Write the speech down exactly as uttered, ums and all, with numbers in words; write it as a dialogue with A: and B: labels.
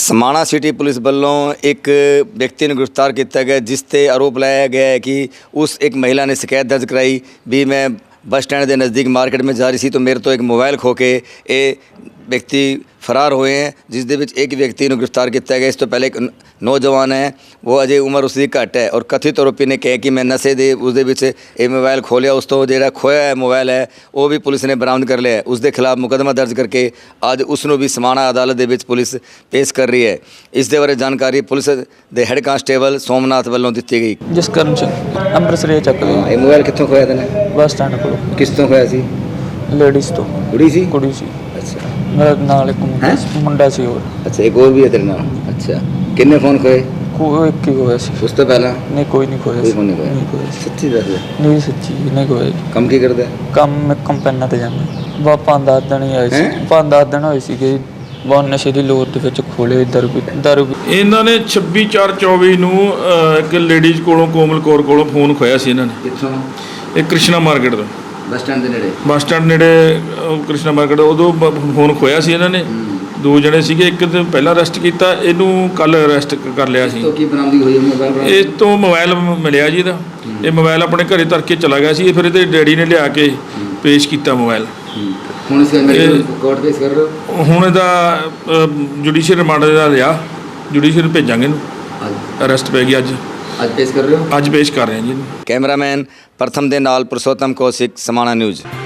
A: समाणा city police वालों एक व्यक्ति ने गिरफ्तार किया गया जिस ते आरोप लाया गया है कि उस एक महिला ने शिकायत दर्ज कराई भी मैं बस स्टैंड के नज़दीक मार्केट में जा रही थी तो मेरे तो एक मोबाइल खो के ये व्यक्ति फरार हुए हैं, जिस दे विच एक व्यक्ति ने गिरफ्तार किया गया। इस तो पहले एक नौजवान है, वो अजे उम्र उसकी घट है और कथित आरोपी ने कहा कि मैं नशे दे उसदे विच ये मोबाइल खोलिया, उस तो जिहड़ा खोया है मोबाइल है वो भी पुलिस ने बरामद कर लिया है। उसके खिलाफ मुकदमा दर्ज करके अज उसनों भी समाणा अदालत दे विच पुलिस पेश कर रही है। इस दे बारे जानकारी पुलिस दे हैड कांस्टेबल सोमनाथ वालों दी गई।
B: जसकरण सिंह अंम੍ਰਿਤਸਰ ਚੱਕ ਲਿਆ।
A: ये मोबाइल कितों खोया तैने?
B: बस स्टैंड ਕੋਲ।
A: किस तो खोया सी?
B: लेडीज़ तो
A: कुड़ी सी?
B: कुड़ी सी।
A: अच्छा,
B: मेरा नाल एक मुंडा सी- मुंडा सी और
A: अच्छा एक और भी है तेरे नाल? अच्छा, किन्ने फोन खोए?
B: कोई एक ही होया सी।
A: उस तो पहला
B: नहीं कोई नहीं खोया
A: कोई
B: सी।
A: फोन नहीं खोया?
B: नहीं खोया सी।
A: सच्ची दस दे।
B: नहीं सच्ची नहीं खोया जी।
A: ਕੰਮ ਕੀ ਕਰਦਾ ਹੈ?
B: ਕੰਮ ਮੈਂ ਕੰਪੈਨਾਂ ਤੇ ਜਾਂਦਾ ਵਾ ਪੰਜ ਦਸ ਦਿਨ ਹੀ ਆਏ ਸੀ।
A: ਹੈਂ?
B: ਪੰਜ ਦਸ ਦਿਨ ਹੋਏ ਸੀਗੇ ਬਹੁਤ ਨਸ਼ੇ ਦੀ ਲੋਰ ਦੇ ਵਿੱਚ ਖੋਲੇ ਦਾਰੂ ਪੀ ਦਾਰੂ ਪੀ-
C: ਇਹਨਾਂ ਨੇ ਛੱਬੀ ਚਾਰ ਚੌਵੀ ਨੂੰ ਅ, ਇੱਕ ਲੇਡੀਜ਼ ਕੋਲੋਂ ਕੋਮਲ ਕੌਰ ਕੋਲੋਂ ਫੋਨ ਖੋਇਆ ਸੀ ਇਹਨਾਂ ਨੇ।
A: ਕਿੱਥੋਂ?
C: ਇਹ ਕ੍ਰਿਸ਼ਨਾ ਮਾਰਕੀਟ ਤੋਂ
A: ਬੱਸ ਸਟੈਂਡ ਦੇ ਨੇੜੇ।
C: ਬੱਸ ਸਟੈਂਡ ਨੇੜੇ ਅ, ਕ੍ਰਿਸ਼ਨਾ ਮਾਰਕੀਟ ਉਦੋਂ ਬ- ਫੋਨ ਖੋਇਆ ਸੀ ਇਹਨਾਂ ਨੇ। ਦੋ ਜਣੇ ਸੀਗੇ, ਇੱਕ ਤੇ ਪਹਿਲਾਂ ਅਰੈਸਟ ਕੀਤਾ, ਇਹਨੂੰ ਕੱਲ ਅਰੈਸਟ ਕਰ ਲਿਆ ਸੀ।
A: ਤੋਂ ਕੀ ਬਰਾਮਦੀ ਹੋਈ ਹੈ ਮੋਬਾਈਲ?
C: ਇਹ ਤੋਂ ਮੋਬਾਈਲ ਮਿਲਿਆ ਜੀ ਇਹਦਾ। ਇਹ ਮੋਬਾਈਲ ਆਪਣੇ ਘਰੇ ਧਰ ਕੇ ਚਲਾ ਗਿਆ ਸੀ। ਇਹ ਫਿਰ ਇਹਦੇ ਡੈਡੀ ਨੇ ਲਿਆ ਕੇ ਪੇਸ਼ ਕੀਤਾ ਮੋਬਾਈਲ।
A: ਹੁਣ ਇਸ
C: ਇਹ-
A: ਨੂੰ ਕੋਰਟ ਪੇਸ਼ ਕਰ ਰਹੇ ਹੋ?
C: ਹੁਣ ਇਹਦਾ ਜੁਡੀਸ਼ੀਅਲ ਰਿਮਾਂਡ ਦਾ ਲਿਆ, ਜੁਡੀਸ਼ੀਅਲ ਭੇਜਾਂਗੇ ਇਹਨੂੰ।
A: ਅੱਜ
C: ਅਰੈਸਟ ਪੈ ਗਈ ਅੱਜ।
A: ਅੱਜ ਪੇਸ਼ ਕਰ ਰਹੇ ਹੋ?
C: ਅੱਜ ਪੇਸ਼ ਕਰ ਰਹੇ ਹਾਂ ਜੀ ਇਹਨੂੰ।
A: ਕੈਮਰਾਮੈਨ ਪ੍ਰਥਮ ਦੇ ਨਾਲ ਪੁਰਸ਼ੋਤਮ ਕੌਸ਼ਿਕ, ਸਮਾਣਾ ਨਿਊਜ਼।